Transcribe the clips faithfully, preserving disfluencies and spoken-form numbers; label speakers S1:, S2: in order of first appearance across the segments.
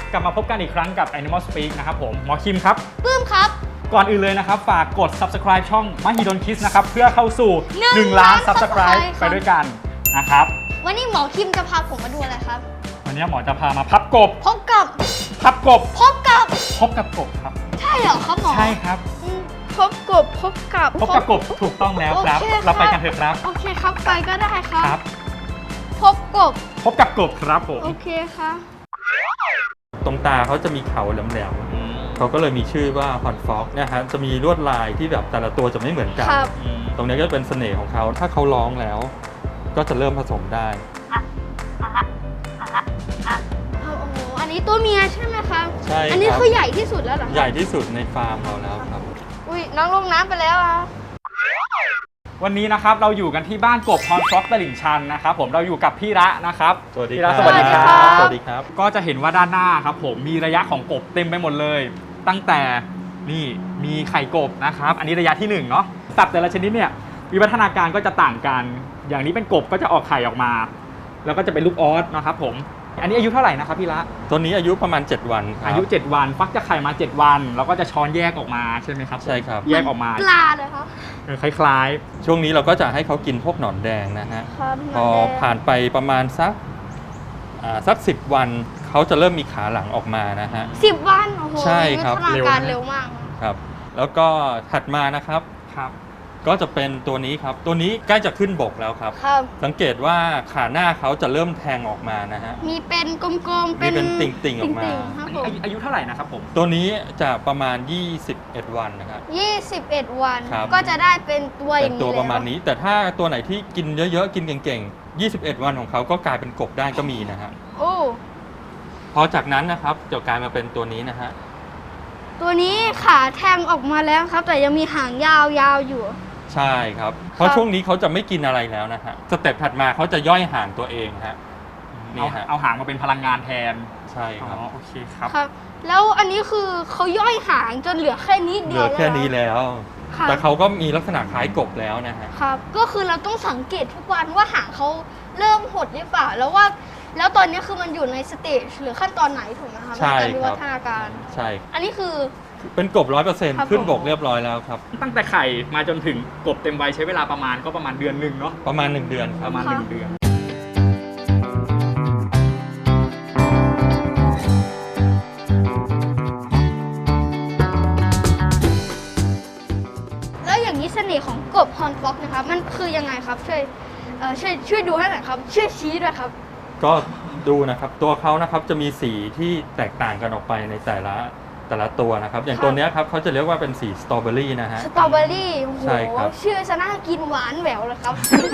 S1: กลับมาพบกันอีกครั้งกับ Animal Speak นะครับผมหมอคิมครับ
S2: ปื้มครับ
S1: ก่อนอื่นเลยนะครับฝากกด Subscribe ช่อง Mahidol Kids นะครับเพื่อเข้าสู่หนึ่งล้าน Subscribe ไปด้วยกันนะครับ
S2: วันนี้หมอคิมจะพาผมมาดูอะไรครับ
S1: วันนี้หมอจะพามาพับกบ
S2: พบกับ
S1: พับกบ
S2: พบกับ
S1: พบกับกบครับ
S2: ใช่เหรอครับหมอ
S1: ใช่ครับ
S2: พบกบพบกับ
S1: พบกับกบถูกต้องแล้วครับเราไปกันเถอะครับ
S2: โอเคครับไปก็ได้ครับ
S1: ครับ
S2: พบกบ
S1: พบกับกบครับผม
S2: โอเคค่ะ
S3: ตรงตาเขาจะมีเขาแหลมๆเขาก็เลยมีชื่อว่าฮอนฟ็อกนะฮะจะมีลวดลายที่แบบแต่ละตัวจะไม่เหมือนกันตรงนี้ก็เป็นเสน่ห์ของเขาถ้าเขาร้องแล้วก็จะเริ่มผสมได้
S2: โอ้โหอันนี้ตัวเมียใช่ไหมครับ
S3: ใช่
S2: อันนี้คือใหญ่ที่สุดแล้วเหรอ
S3: ใหญ่ที่สุดในฟาร์มเราแล้วครับ
S2: อุ้ยน้องลงน้ำไปแล้วอ่ะ
S1: วันนี้นะครับเราอยู่กันที่บ้านกบฮอนฟ็อกตลิ่งชันนะครับผมเราอยู่กับพี่ระนะครับ
S3: สวัสดีครับ
S1: สวัสดีครับ
S3: สวัสดีครับ
S1: ก็จะเห็นว่าด้านหน้าครับผมมีระยะของกบเต็มไปหมดเลยตั้งแต่นี่มีไข่กบนะครับอันนี้ระยะที่หนึ่งเนาะสัตว์แต่ละชนิดเนี่ยวิวัฒนาการก็จะต่างกันอย่างนี้เป็นกบก็จะออกไข่ออกมาแล้วก็จะเป็นลูกออสนะครับผมอันนี้อายุเท่าไหร่นะครับพี่ละ
S3: ตัวนี้อายุประมาณเจ็ดวันครับ
S1: อายุเจ็ดวันฟักจะไข่มาเจ็ดวันแล้วก็จะช้อนแยกออกมาใช่ไหมครับ
S3: ใช่ครับ
S1: แยกออกมา
S2: ปลาเลยครับ
S1: คล้าย
S3: ๆช่วงนี้เราก็จะให้เขากินพวกหนอนแดงนะฮะพอผ่านไปประมาณสักสักสิบวันเขาจะเริ่มมีขาหลังออกมานะฮะ
S2: สิบวันโอ้โห
S3: ใช่ครับ
S2: วิวัฒนาการเร็วมาก
S3: ครับแล้วก็ถัดมานะครับ
S1: ครับ
S3: ก็จะเป็นตัวนี้ครับตัวนี้ใกล้จะขึ้นบกแล้วครับสังเกตว่าขาหน้าเขาจะเริ่มแทงออกมานะฮะ
S2: มีเป็นกลมๆ
S3: มีเป็นติ่งๆออกมา
S1: อายุเท่าไหร่นะครับผม
S3: ตัวนี้จะประมาณยี่สิบเอ็ดวันนะครับ
S2: ยี่สิบเอ็ดวันก็จะได้เป็นตัวอย่างนี้
S3: ตัวประมาณนี้แต่ถ้าตัวไหนที่กินเยอะๆกินเก่งๆยี่สิบเอ็ดวันของเขาก็กลายเป็นกบได้ก็มีนะฮะ
S2: โอ้
S3: พอจากนั้นนะครับจะกลายมาเป็นตัวนี้นะฮะ
S2: ตัวนี้ขาแทงออกมาแล้วครับแต่ยังมีหางยาวๆอยู่
S3: ใช่ครับเพราะช่วงนี้เขาจะไม่กินอะไรแล้วนะฮะสเต็ปถัดมาเขาจะย่อยหางตัวเองฮะ
S1: นี่ฮะเอาหางมาเป็นพลังงานแทน
S3: ใช่ครับ
S1: อ๋อโอเคครับ
S2: ครับแล้วอันนี้คือเขาย่อยหางจนเหลือแค่นี้เดียว
S3: เหลือแค่นี้แล้วแต่เขาก็มีลักษณะคล้ายกบแล้วนะฮะ
S2: ครับก็คือเราต้องสังเกตทุกวันว่าหางเขาเริ่มหดหรือเปล่าแล้วว่าแล้วตอนนี้คือมันอยู่ในสเตจหรือขั้นตอนไหนถูกไหมครับในการวิวัฒนาการ
S3: ใช่
S2: อันนี้คือ
S3: เป็นกบร้อยเปอร์เซ็นต์ขึ้นบกเรียบร้อยแล้วครับ
S1: ตั้งแต่ไข่มาจนถึงกบเต็มวัยใช้เวลาประมาณก็ประมาณเดือนหนึ่งเนาะ
S3: ประมาณหนึ่งเดือน
S1: ประมาณหนึ่งเดือน
S2: แล้วอย่างนี้เสน่ห์ของกบฮอนฟ็อกนะครับมันคือยังไงครับช่วยช่วยช่วยดูให้หน่อยครับช่วยชี้ด้วยครับ
S3: ก็ดูนะครับตัวเขานะครับจะมีสีที่แตกต่างกันออกไปในแต่ละแต่ละตัวนะครับอย่างตัวนี้ครับเขาจะเรียกว่าเป็นสีสตรอเบอรี่นะฮะ
S2: สตรอเบอรี่โอ้โห
S3: ใช่ครับ
S2: ชื่อจะน่ากินหวานแหววเลยครับ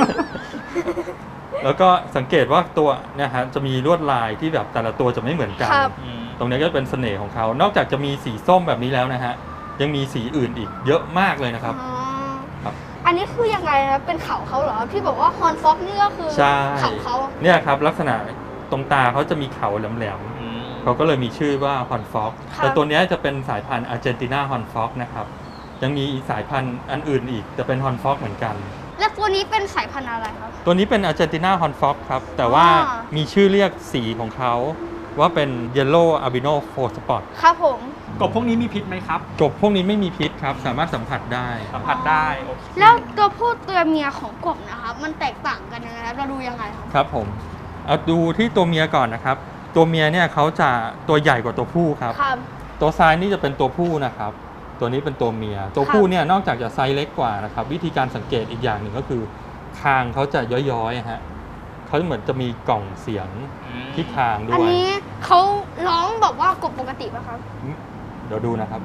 S3: แล้วก็สังเกตว่าตัวเนี่ยฮะจะมีลวดลายที่แบบแต่ละตัวจะไม่เหมือนกันตรงนี้ก็เป็นเสน่ห์ของเขานอกจากจะมีสีส้มแบบนี้แล้วนะฮะยังมีสีอื่นอีกเยอะมากเลยนะครับ
S2: ครับอันนี้คือยังไงครับเป็นเขาเขาเหรอพี่บอกว่าฮอนฟ็อกนี่ก็คือเขาเขา
S3: เนี่ยครับลักษณะตรงตาเขาจะมีเขาแหลมๆเขาก็เลยมีชื่อว่าฮอนฟ็อกแต่ตัวนี้จะเป็นสายพันธุ์อาร์เจนตินาฮอนฟ็อกนะครับยังมีสายพันธุ์อันอื่นอีกจะเป็นฮอนฟ็อกเหมือนกัน
S2: และตัวนี้เป็นสายพันธุ์อะไรครับ
S3: ตัวนี้เป็นอาร์เจนตินาฮอนฟ็อกครับแต่ว่ามีชื่อเรียกสีของเขาว่าเป็นเยลโล่อาบิโนโฟสปอต
S2: ครับผม
S1: กบพวกนี้มีพิษไหมครับ
S3: กบพวกนี้ไม่มีพิษครับสามารถสัมผัสได้
S1: สัมผัสได้
S2: แล้วตัวผู้ตัวเมียของกบนะครับมันแตกต่างกันยังไงเราดูยังไงครับ
S3: ครับผมเอาดูที่ตัวเมียก่อนนะครับตัวเมียเนี่ยเขาจะตัวใหญ่กว่าตัวผู้ครับตัวซ้ายนี่จะเป็นตัวผู้นะครับตัวนี้เป็นตัวเมียตัวผู้เนี่ยนอกจากจะไซส์เล็กกว่านะครับวิธีการสังเกตอีกอย่างหนึ่งก็คือคางเขาจะย้อยๆฮะเขาเหมือนจะมีกล่องเสียงที่คางด้วยอัน
S2: นี้เขาร้องแบบว่ากบปกติป่ะครับ
S3: เดี๋ยวดูนะครับ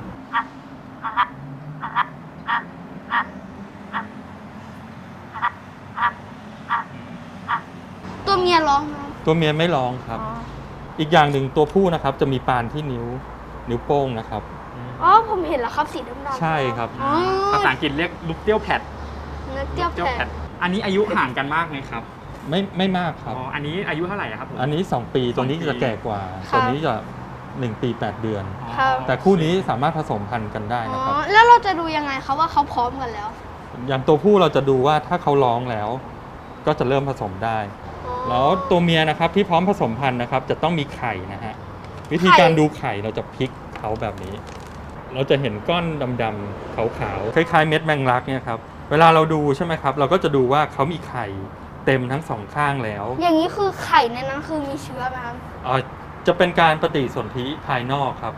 S2: ตัวเมียร้อง
S3: ตัวเมียไม่ร้องครับอีกอย่างหนึ่งตัวผู้นะครับจะมีปานที่นิ้วนิ้วโป้งนะครับ
S2: อ๋อผมเห็นแล้วครับสีดำๆ
S3: ใช่ครับ
S1: ภาษาอังกฤษเรียกลูกเตี้ยวแพด
S2: ลูกเตี้ยวแพด
S1: อันนี้อายุห่างกันมากไหมครับ
S3: ไม่ไม่มากครับ
S1: อ๋ออันนี้อายุเท่าไหร่ครับผม
S3: อันนี้สองปีตัวนี้จะแก่กว่าตัวนี้จะหนึ่งปีแปดเดือนแต่คู่นี้สามารถผสมพันธุ์กันได้นะครับ
S2: แล้วเราจะดูยังไงครับว่าเขาพร้อมกันแล้ว
S3: อย่างตัวผู้เราจะดูว่าถ้าเขาร้องแล้วก็จะเริ่มผสมได้แล้วตัวเมียนะครับที่พร้อมผสมพันธุ์นะครับจะต้องมีไข่นะฮะวิธีการดูไข่เราจะพลิกเขาแบบนี้ เราจะเห็นก้อนดำๆขาวๆคล้ายๆเม็ดแมงลักเนี่ยครับเวลาเราดูใช่ไหมครับเราก็จะดูว่าเขามีไข่เต็มทั้งสองข้างแล้ว
S2: อย่างนี้คือไข่ในนั้นคือมีเชื้อไหมครับ
S3: อ่าจะเป็นการปฏิสนธิภายนอกครับ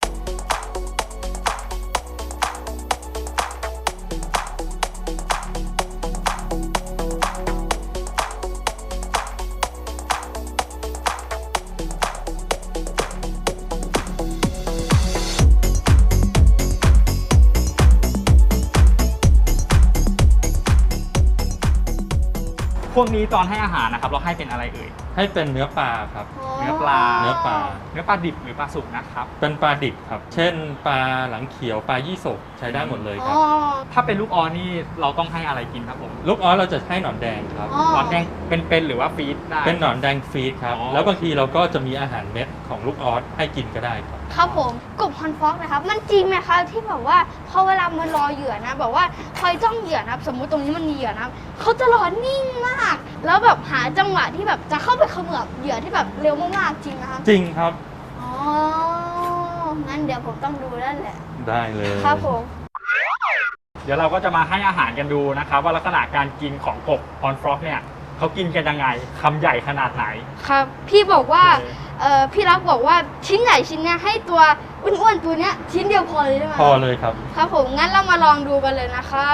S1: พวกนี้ตอนให้อาหารนะครับเราให้เป็นอะไรเอ่ย
S3: ให้เป็นเนื้อปลาครับ
S1: เนื้อปลา
S3: เนื้อปลา
S1: เนื้อปลาดิบหรือปลาสุกนะครับ
S3: เป็นปลาดิบครับ เช่นปลาหลังเขียวปลายี่สกใช้ได้หมดเลยครับ
S2: อ๋อ
S1: ถ้าเป็นลูกออสนี่เราต้องให้อะไรกินครับผม
S3: ลูกออสเราจะให้หนอนแดงครับ
S2: อ๋อ
S1: หนอนแดงเป็นๆหรือว่าฟีดได้
S3: เป็นหนอนแดงฟีดครับ
S1: อ๋อ
S3: แล้วบางทีเราก็จะมีอาหารเม็ดของลูกออสให้กินก็ได้ครับ
S2: ครับผมกบฮอนฟ็อกนะครับ มันจริงไหมครับที่แบบว่าพอเวลามันรอเหยื่อนะแบบว่าคอยจ้องเหยื่อนะครับ สมมุติตรงนี้มันมีเหยื่อนะครับเขาจะรอนิ่งมาก แล้วแบบหาจังหวะที่แบบจะเข้าไปเขมือบเหยื่อที่แบบเร็วมากๆจริงนะครับ
S3: จริงครับ
S2: อ๋อ งั้นเดี๋ยวผมต้องดูแล้วแหละ
S3: ได้เลย
S2: ครับผม
S1: เดี๋ยวเราก็จะมาให้อาหารกันดูนะครับ ว่าลักษณะการกินของกบฮอนฟรอกเนี่ยเขากินกันยังไงคำใหญ่ขนาดไหน
S2: ครับ พี่บอกว่า
S1: โอเค
S2: เอ่อ พี่รักบอกว่าชิ้นใหญ่ชิ้นเนี้ยให้ตัวอ้วนๆตัวเนี้ยชิ้นเดียวพอเลยใช่ไหม
S3: พอเลยครับ
S2: ครับผม งั้นเรามาลองดูกันเลยนะครับ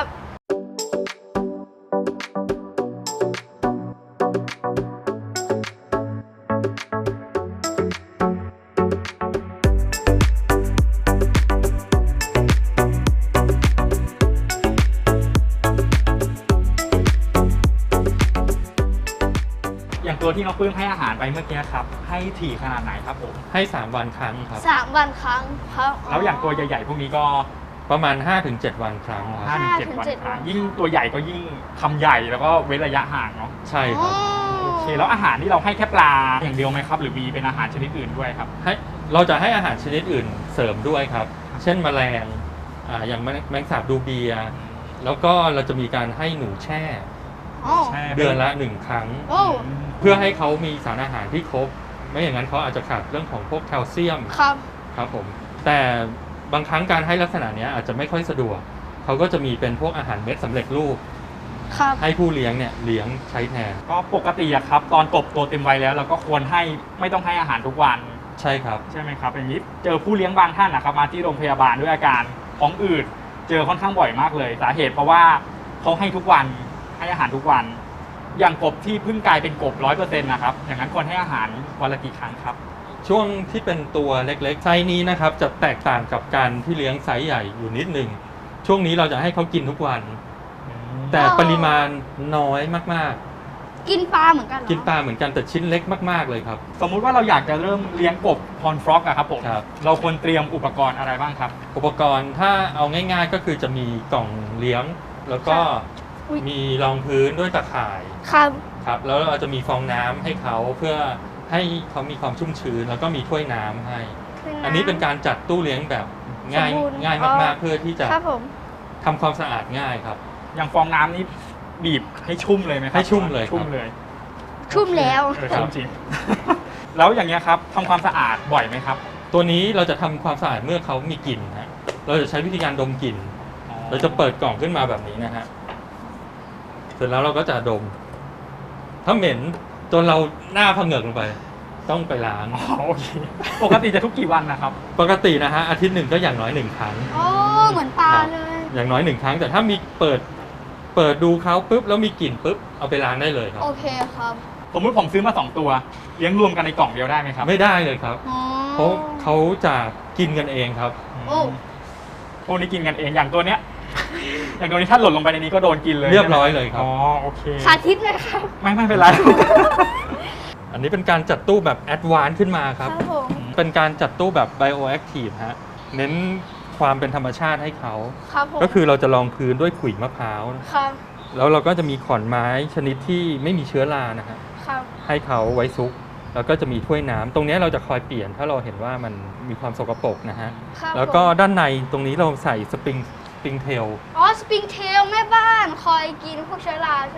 S1: อย่างตัวที่น้องปลื้มให้อาหารไปเมื่อกี้ครับ ให้ถี่ขนาดไหนครับผม
S3: ให้สามวันครั้งครับ
S2: สามวันครั้งครับ
S1: แล้วอย่างตัวใหญ่ๆพวกนี้ก็
S3: ประมาณ ห้าถึงเจ็ด วันครั้งค
S1: ห้า
S3: รับ
S1: ถึงเจ็ดวันครั้งยิ่งตัวใหญ่ก็ยิ่งคำใหญ่แล้วก็เว้นระยะห่างเนาะ
S3: ใช่ครับ
S1: โอเคแล้วอาหารที่เราให้แค่ปลาอย่างเดียวไหมครับ หรือมีเป็นอาหารชนิดอื่นด้วยครับ
S3: ให้เราจะให้อาหารชนิดอื่นเสริมด้วยครับ เช่นแมลงอ่าอย่างแมลงแมลงสาบดูเบียร์แล้วก็เราจะมีการให้หนูแช่
S2: อ๋อ
S1: ใช่
S3: เดือนละหนึ่งครั้ง
S2: โอ้
S3: เพื่อให้เขามีสารอาหารที่ครบ ไม่อย่างนั้นเขาอาจจะขาดเรื่องของพวกแคลเซียม
S2: ครับ
S3: ครับผมแต่บางครั้งการให้ลักษณะเนี้ยอาจจะไม่ค่อยสะดวกเขาก็จะมีเป็นพวกอาหารเม็ดสำเร็จรูป
S2: ครับ
S3: ให้ผู้เลี้ยงเนี่ยเลี้ยงใช้แทน
S1: ก็ปกติอะครับ ตอนกบตัวเต็มวัยแล้ว เราก็ควรให้ไม่ต้องให้อาหารทุกวัน
S3: ใช่ครับ
S1: ใช่ไหมครับอย่างนี้เจอผู้เลี้ยงบางท่านนะครับมาที่โรงพยาบาลด้วยอาการท้องอืดเจอค่อนข้างบ่อยมากเลย สาเหตุเพราะว่าเขาให้ทุกวันให้อาหารทุกวัน อย่างกบที่เพิ่งกลายเป็นกบร้อยเปอร์เซ็นต์นะครับอย่างนั้นควรให้อาหารวันละกี่ครั้งครับ
S3: ช่วงที่เป็นตัวเล็กๆไซส์นี้นะครับจะแตกต่างกับการที่เลี้ยงไซส์ใหญ่อยู่นิดหนึ่งช่วงนี้เราจะให้เขากินทุกวัน แต่ปริมาณน้อยมาก
S2: กินปลาเหมือนกันเหรอ
S3: ๆ กินปลาเหมือนกันแต่ชิ้นเล็กมากๆเลยครับ
S1: สมมุติว่าเราอยากจะเริ่มเลี้ยงกบฮอนฟรอกอะครับผม
S3: ครับ
S1: เราควรเตรียมอุปกรณ์อะไรบ้างครับ
S3: อุปกรณ์ถ้าเอาง่ายๆก็คือจะมีกล่องเลี้ยง แล้วก็
S2: อุ๊ย
S3: มีรองพื้นด้วยตะข่าย
S2: ครับ
S3: ครับแล้วเราจะมีฟองน้ำให้เขาเพื่อให้เขามีความชุ่มชื้นแล้วก็มีถ้วยน้ำให้ อันนี้เป็นการจัดตู้เลี้ยงแบบง่าย
S2: สมบูรณ์
S3: ง่าย
S2: อ๋อ
S3: มากๆ เพื่อที่จะ
S2: ครับผม
S3: ทำความสะอาดง่ายครับ
S1: อย่างฟองน้ำนี่บีบให้ชุ่มเลยไหมครับ
S3: ให้ชุ่มเลยครับ
S1: ชุ่มเลย
S2: ชุ่มแล้ว
S1: เออชุ่มจริง แล้วอย่างเงี้ยครับทำความสะอาดบ่อยไหมครับ
S3: ตัวนี้เราจะทำความสะอาดเมื่อเขามีกลิ่นฮะเราจะใช้วิธีการดมกลิ่น เราจะเปิดกล่องขึ้นมาแบบนี้นะฮะเสร็จแล้วเราก็จะดม ถ้าเหม็นจนเราหน้าผงเงกลงไป ต้องไปล้าง
S1: อ๋อโอเคปกติจะทุกกี่วันนะครับ
S3: ปกตินะฮะอาทิตย์หนึ่งก็อย่างน้อยหนึ่งครั้ง
S2: โอ้ เหมือนปลาเลย
S3: อย่างน้อยหนึ่งครั้ง แต่ถ้ามีเปิดเปิดดูเขาปุ๊บแล้วมีกลิ่นปุ๊บเอาไปล้างได้เลยครับ
S2: โอเคครับ
S1: สมมติผมซื้อมาสองตัวเลี้ยงรวมกันในกล่องเดียวได้ไหมครับ
S3: ไม่ได้เลยครับ
S2: อ๋อ
S3: เพราะเขาจะกินกันเองครับ
S2: โอ้
S1: พวกนี้กินกันเองอย่างตัวเนี้ย อย่างตัวนี้ถ้าหล่นลงไปในนี้ก็โดนกินเลย
S3: เรียบร้อยเลยครับ
S1: อ๋อโอเค
S2: สาธิตเลยครับ
S1: ไม่ไม่เป็นไร
S3: อันนี้เป็นการจัดตู้แบบแอดวานซ์ขึ้นมาค
S2: ค
S3: รั
S2: รับ บผม
S3: เป็นการจัดตู้แบบไบโอแอคทีฟฮะเน้นความเป็นธรรมชาติให้เขา
S2: ครับผม
S3: ก็คือเราจะรองพื้นด้วยขุยมะพร้าว
S2: ครับ
S3: แล้วเราก็จะมีขอนไม้ชนิดที่ไม่มีเชื้อรานะฮะ
S2: ครับ
S3: ให้เขาไว้ซุก แล้วก็จะมีถ้วยน้ำตรงนี้เราจะคอยเปลี่ยนถ้าเราเห็นว่ามันมีความสกปรกนะฮะ
S2: ครับ
S3: แล้วก็
S2: ผม
S3: ด้านในตรงนี้เราใส่สปริงสปริงเทล
S2: อ๋อ สปริงเทลแม่บ้านคอยกินพวกเชื้อราใช่ไหมครับ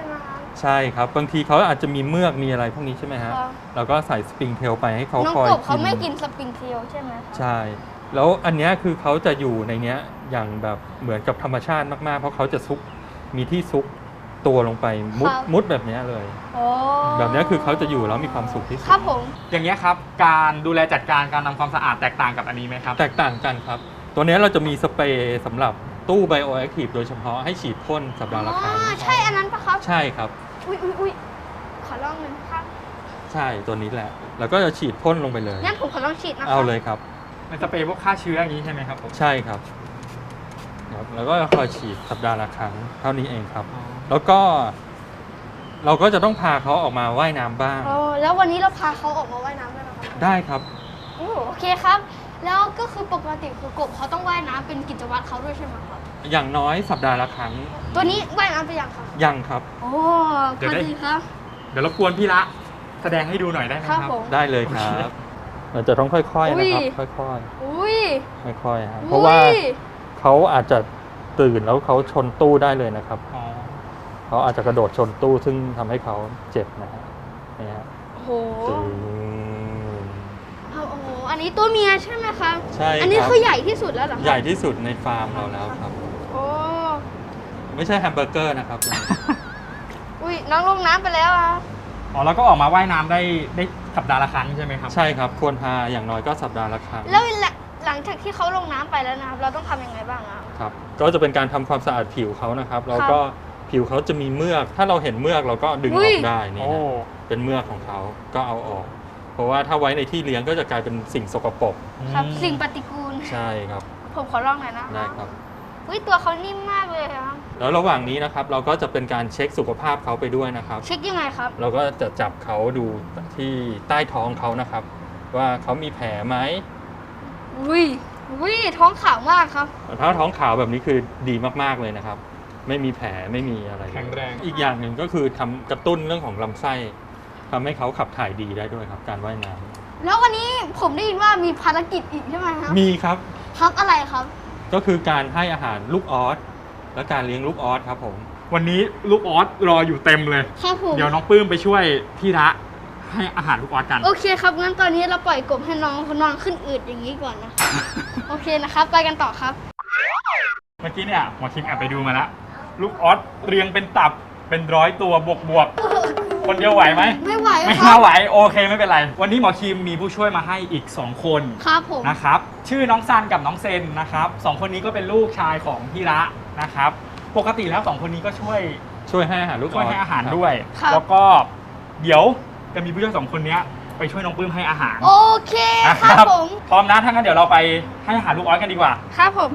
S3: ใช่ครับบางทีเขาอาจจะมีเมือกมีอะไรพวกนี้ใช่ไหมฮะ
S2: ครับ
S3: เราก็ใส่สปริงเทลไปให้เขา
S2: น้อง
S3: คอย
S2: กบเขา
S3: กิน
S2: ไม่กินสปริงเทลใช่ไหมครับ
S3: ใช่ แล้วอันเนี้ยคือเขาจะอยู่ในเนี้ยอย่างแบบเหมือนกับธรรมชาติมากๆ เพราะเขาจะซุกมีที่ซุกตัวลงไปมุด
S2: ครับ
S3: มุดแบบเนี้ยเลย
S2: โอ้
S3: แบบเนี้ยคือเขาจะอยู่แล้วมีความสุขที่สุด
S2: ครับผม
S1: อย่างเงี้ยครับการดูแลจัดการการทำความสะอาดแตกต่างกับอันนี้ไหมครับ
S3: แตกต่างกันครับ ตัวเนี้ยเราจะมีสเปรย์สำหรับตู้ไบโอแอคทีฟโดยเฉพาะให้ฉีดพ่นสัปดาห์ละครั้ง
S2: อ๋อใช่อันนั้นปะครับ
S3: ใช่ครับ
S2: อุ้ยอุ้ยอุ้ยขอลองหนึ่งครับ
S3: ใช่ตัวนี้แหละ แล้วก็จะฉีดพ่นลงไปเลย
S2: งั้นผมขอลองฉีดนะคะ
S3: เอาเลยครับ
S1: เป็นสเปรย์พวกฆ่าเชื้ออย่างนี้ใช่ไหมครับผม
S3: ใช่ครับครับ แล้วก็คอยฉีดสัปดาห์ละครั้งเท่านี้เองครับ
S1: อ๋อ
S3: แล้วก็เราก็จะต้องพาเขาออกมาว่ายน้ำบ้าง
S2: โอ้แล้ววันนี้เราพาเขาออกมาว่ายน้ำด้วยนะครับ
S3: ได้ครับ
S2: โอ้โอเคครับ แล้วก็คือปกติคือกบเขาต้องว่ายน้ำเป็นกิจวัตรเขาด้วยใช่ไหมครับ
S3: อย่างน้อยสัปดาห์ละครั้ง
S2: ตัวนี้ว่ายน้ำไปยังครับ
S3: ยังครับ
S2: โอ้พอดีครับ
S1: เดี๋ยวรบกวนพี่ละแสดงให้ดูหน่อยได้ไหม
S2: ค
S1: ค
S2: รั
S1: รั
S2: บบ ผม
S3: ได้เลยครับเราจะต้องค่อยๆนะครับ
S2: อุ้ย
S3: ค่อย
S2: อุ้ย
S3: ๆค่อยๆครับเพราะว่าเขาอาจจะตื่นแล้วเขาชนตู้ได้เลยนะครับ
S1: อ๋อ
S3: เขาอาจจะกระโดดชนตู้ซึ่งทำให้เขาเจ็บนะฮะนี่ฮะ
S2: โอ้โห
S3: ตึง
S2: เอาโอ้โหอันนี้ตัวเมียใช่ไหมครับ
S3: ใช่
S2: อันนี้
S3: ครับ
S2: คือใหญ่ที่สุดแล้วเหรอครับ
S3: ใหญ่ที่สุดในฟาร์มเราแล้วครับ
S2: โอ้
S3: ไม่ใช่แฮมเบอร์เกอร์นะครับ
S2: อุ้ยน้องลงน้ำไปแล้วอะ
S1: อ๋อแล้วก็ออกมาว่ายน้ำได้ได้สัปดาห์ละครั้งใช่ไหมครับ
S3: ใช่ครับควรพาอย่างน้อยก็สัปดาห์ละครั้ง
S2: แล้วหลังจากที่เขาลงน้ำไปแล้วนะครับเราต้องทำยังไงบ้างอะ
S3: ครับก็จะเป็นการทำความสะอาดผิวเขานะครับแล้วก็ผิวเขาจะมีเมือก ถ้าเราเห็นเมือกเราก็ดึงออกได้นี่
S1: โอ้
S3: นะเป็นเมือกของเขาก็เอาออก เพราะว่าถ้าไว้ในที่เลี้ยงก็จะกลายเป็นสิ่งสกปรก
S2: ครับ
S1: อืม
S2: สิ่งปฏิกูล
S3: ใช่ครับ
S2: ผมขอลองหน่อยนะ
S3: ได้ครับ
S2: อุ้ยตัวเขานิ่มมากเลยครับ
S3: แล้วระหว่างนี้นะครับเราก็จะเป็นการเช็คสุขภาพเขาไปด้วยนะครับ
S2: เช็คยังไงครับ
S3: เราก็จะจับเขาดูที่ใต้ท้องเขานะครับ ว่าเขามีแผลไหม
S2: อุ้ยอุ้ยท้องขาวมากครับ
S3: ถ้าท้องขาวแบบนี้คือดีมากๆเลยนะครับ ไม่มีแผลไม่มีอะไร
S1: แข็งแรง
S3: อีกอย่างหนึ่งก็คือทำกระตุ้นเรื่องของลำไส้ทำให้เขาขับถ่ายดีได้ด้วยครับ การว่ายน้ำ
S2: แล้ววันนี้ผมได้ยินว่ามีภารกิจอีกใช่ไหมครับ
S3: มีครับ
S2: ครับอะไรครับ
S3: ก็คือการให้อาหารลูกออสและการเลี้ยงลูกออสครับผม
S1: วันนี้ลูกออสรออยู่เต็มเลย
S2: ครับผม
S1: เดี๋ยวน้องปื้มไปช่วยพี่ละให้อาหารลูกออสกัน
S2: โอเคครับงั้นตอนนี้เราปล่อยกบให้น้องเขานอนขึ้นอืดอย่างนี้ก่อนนะครับ โอเคนะครับ ไปกันต่อครับ
S1: เมื่อกี้เนี่ยหมอคิมแอบไปดูมาแล้วลูกออสเรียงเป็นตับเป็นร้อยตัวบวกบวกๆคนเดียวไหวไหม
S2: ไม่ไหว
S1: ไม่
S2: ครั
S1: น่า
S2: บ
S1: ไหวโอเคไม่เป็นไร วันนี้หมอคิมมีผู้ช่วยมาให้อีก สอง คน
S2: ครับผม
S1: นะครับชื่อน้องซันกับน้องเซนนะครับสองคนนี้ก็เป็นลูกชายของพี่ละนะครับปกติแล้วสองคนนี้ก็ช่วย
S3: ช่วยให้อาหารลูกออส
S1: ช่วยให้อาหาร
S3: ครับ
S1: ด้วย
S2: ครับ
S1: แล้วก็เดี๋ยวจะมีผู้ช่วยสองคนเนี้ยไปช่วยน้องปื้มให้อาหาร
S2: โอเค
S1: นะครับ
S2: ผม
S1: พร้อมนะถ้างั้นเดี๋ยวเราไปให้อาหารลูกออสกันดีกว่า
S2: ครับผม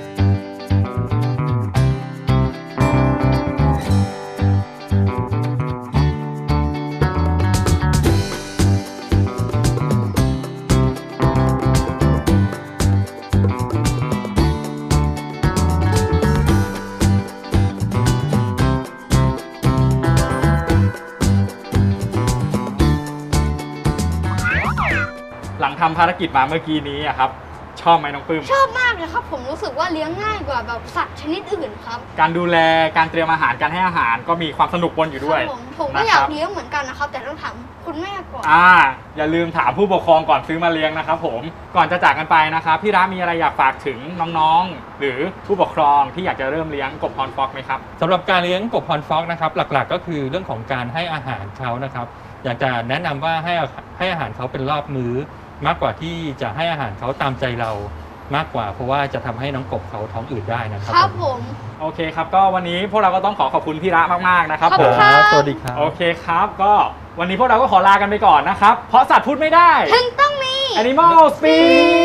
S1: หลังทำภารกิจมาเมื่อกี้นี้อะครับชอบไหมน้องปื้ม
S2: ชอบมากเลยครับ ผมรู้สึกว่าเลี้ยงง่ายกว่าแบบสัตว์ชนิดอื่นครับ
S1: การดูแลการเตรียมอาหารการให้อาหารก็มีความสนุกปนอยู่ด้วย
S2: ครับผมผมก็
S1: นะ
S2: อ
S1: ค
S2: ยาก
S1: รับ
S2: เลี้ยงเหมือนกันนะครับ แต่ต้องถามคุณแม่ก่อน
S1: อ่าอย่าลืมถามผู้ปกครองก่อนซื้อมาเลี้ยงนะครับผมก่อนจะจากกันไปนะครับพี่ร้ามีอะไรอยากฝากถึงน้องๆ หรือผู้ปกครองที่อยากจะเริ่มเลี้ยงกบฮอนฟ็อกไหมครับ
S3: สำหรับการเลี้ยงกบฮอนฟ็อกนะครับหลักๆ ก็คือเรื่องของการให้อาหารเขานะครับ อยากจะแนะนำว่าให้ให้อาหารเขาเป็นรอบมื้อ มากกว่าที่จะให้อาหารเขาตามใจเรามากกว่า เพราะว่าจะทำให้น้องกบเขาท้องอืดได้นะครั
S2: ครับ
S3: ผ
S2: ผม ม
S1: โอเคครับก็วันนี้พวกเราก็ต้องขอขอบคุณพี่ระมากๆนะครับ
S2: ขอบ
S1: ผ
S2: คุ
S1: ม
S2: ณครับ
S3: สวัสดีครับ
S1: โอเคครับก็วันนี้พวกเราก็ขอลากันไปก่อนนะครับเพราะสัตว์พูดไม่ได้
S2: ถึงต้องมี
S1: Animal Speak